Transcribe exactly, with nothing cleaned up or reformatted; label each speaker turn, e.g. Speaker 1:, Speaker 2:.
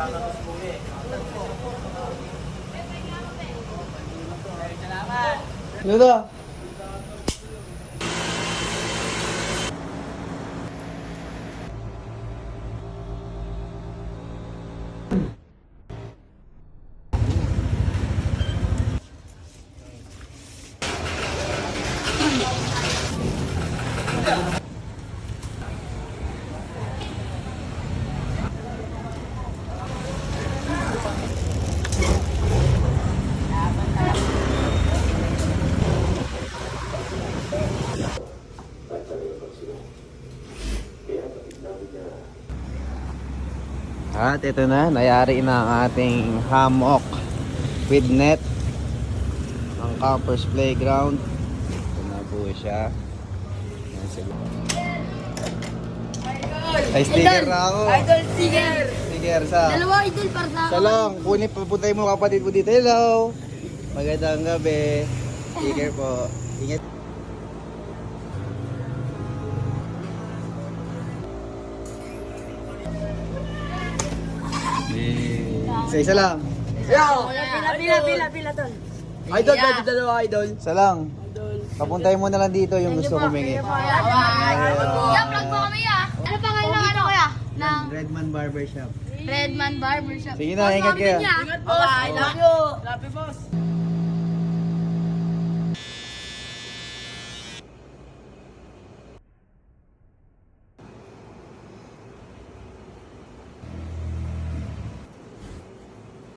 Speaker 1: Ludo. At ito na, nayari na ang ating hammock with net ang campers playground. Ito na po siya. Ay, sticker na ako.
Speaker 2: Idol sticker.
Speaker 1: Sticker sa
Speaker 2: Dalawa idol para sa
Speaker 1: sa lang, kunin, papuntay mo kapatid mo dito. Hello, magandang gabi. Sticker po. Ingat. Isa-isa lang.
Speaker 2: Pila, pila, pila, pila, tol.
Speaker 3: Idol, pwede dalawa idol.
Speaker 1: Isa lang. Papuntay mo na lang dito yung gusto humingi.
Speaker 2: Yeah, vlog po kami ah. Ano pangalan ng ano kuya? Ng
Speaker 1: Redman Barbershop.
Speaker 2: Redman Barbershop.
Speaker 1: Sige na, ingat kayo.
Speaker 2: Ingat po. I love you.
Speaker 3: Love you, boss.